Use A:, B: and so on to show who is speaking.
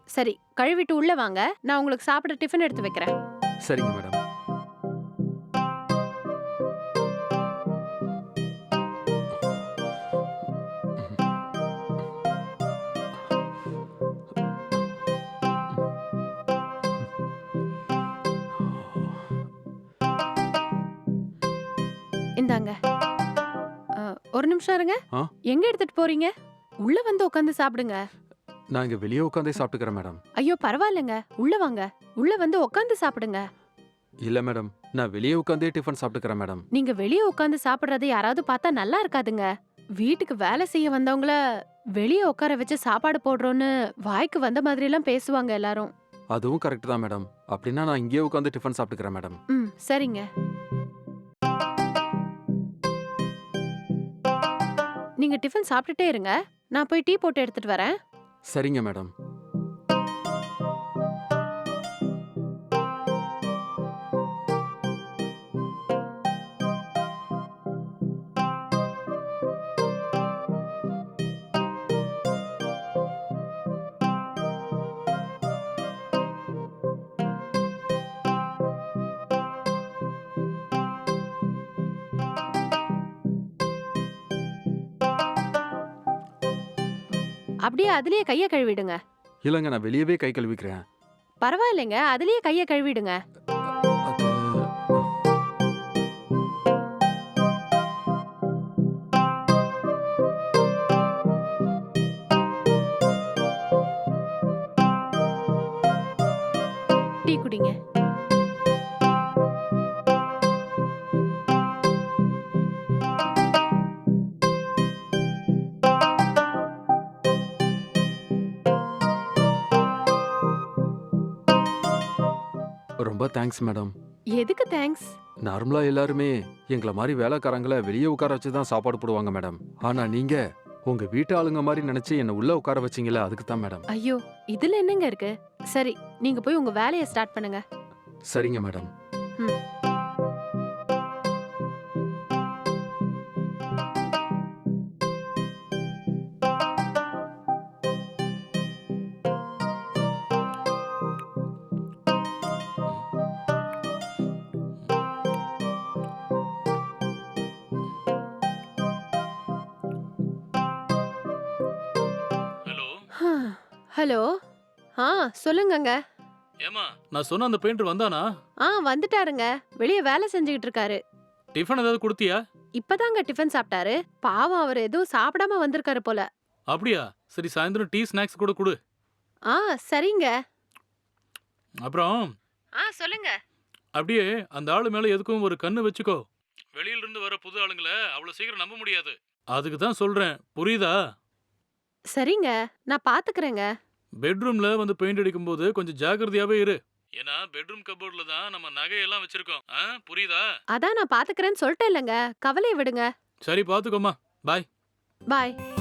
A: சரி, கழுவிட்டு உள்ள வாங்க. நான் உங்களுக்கு சாப்பிட டிஃபன் எடுத்து வைக்கிறேன்.
B: சரிங்க மேடம்.
A: இந்தாங்க. அ, ஒரு நிமிஷம் இருங்க.
B: ஆ?
A: எங்க எடுத்துட்டு போறீங்க? உள்ள வந்து உட்காந்து சாப்பிடுங்க.
B: நான் இங்க வெளியே உட்காந்தே சாப்பிட்டுக்கிறேன் மேடம்.
A: ஐயோ பரவாயில்லைங்க. உள்ள வாங்க. உள்ள வந்து உட்காந்து சாப்பிடுங்க.
B: இல்ல மேடம், நான் வெளியே உட்காந்தே டிஃபன் சாப்பிட்டுக்கிறேன் மேடம்.
A: நீங்க வெளிய உட்காந்து சாப்பிடுறத யாராவது பார்த்தா நல்லா இருக்காதுங்க. வீட்டுக்கு வேலை செய்ய வந்தவங்கள வெளிய உட்கார வச்சு சாப்பாடு போடுறோம்னு வாய்க்கு வந்த மாதிரி எல்லாம் பேசுவாங்க எல்லாரும்.
B: அதுவும் கரெக்ட் தான் மேடம். அப்படின்னா நான் இங்கேயே உட்காந்து டிஃபன் சாப்பிட்டுக்கிறேன் மேடம்.
A: ம், சரிங்க. நீங்க டிஃபன் சாப்பிட்டுட்டே இருங்க. நான் போய் டீ போட்டு எடுத்துட்டு வரேன்.
B: சரிங்க மேடம்.
A: அப்படியே அதுலயே கைய கழுவிடுங்க.
B: இல்லைங்க, நான் வெளியவே கை கழுவிக்கிறேன்.
A: பரவாயில்லைங்க. அதுலயே கைய கழுவிடுங்க.
B: அது
A: டீ குடிங்க.
B: ரொம்ப தேங்க்ஸ் மேடம்.
A: எதுக்கு தேங்க்ஸ்?
B: நார்மலா எல்லாருமே எங்கள மாதிரி வேலைக்காரங்கள வெளியே உட்கார வச்சு தான் சாப்பாடு போடுவாங்க மேடம். ஆனா நீங்க உங்க வீட்டு ஆளுங்க மாதிரி நினைச்சு என்ன உள்ள உட்கார வச்சீங்களா, அதுக்கு தான் மேடம்.
A: ஐயோ, இதுல என்னங்க இருக்கு? சரி, நீங்க போய் உங்க வேலைய ஸ்டார்ட் பண்ணுங்க.
B: சரிங்க மேடம்.
A: ம்.
C: ஹலோ.
A: ஹலோ. ஆ, சொல்லுங்கங்க.
C: ஏமா, நான் சொன்ன அந்த பெயிண்டர் வந்தானா?
A: வந்துட்டாருங்க. வெளிய வேலை செஞ்சுகிட்டு இருக்காரு.
C: டிஃபன் ஏதாவது கொடுத்தியா?
A: இப்பதாங்க டிஃபன் சாப்பிட்டாரு. பாவம் அவர் எதுவும் சாப்பிடாம வந்திருக்காரு போல.
C: அப்படியா? சரி, சாயந்தரம் டீ ஸ்நாக்ஸ் கூட கொடு.
A: ஆ, சரிங்க.
C: அப்புறம்
A: சொல்லுங்க.
C: அப்படியே அந்த ஆளு மேல எதுக்கும் ஒரு கண்ணு வச்சுக்கோ. வெளியில இருந்து வர புது ஆளுங்கள அவ்வளவு சீக்கிரம் நம்ப முடியாது. அதுக்கு தான் சொல்றேன், புரியுதா?
A: சரிங்க, நான் பாத்துக்கறேங்க.
C: பெட்ரூம்ல வந்து பெயிண்ட் அடிக்கும்போது கொஞ்சம் ஜாக்கிரதையாவே இரு. ஏன்னா பெட்ரூம் கபோர்ட்ல தான் நம்ம நகையெல்லாம் வச்சிருக்கோம். புரியுதா?
A: அதான் நான் பாத்துக்கறேன்னு சொல்லிட்டேன் இல்லங்க. கவலைய விடுங்க.
C: சரி, பாத்துக்கோமா. பாய்.
A: பாய்.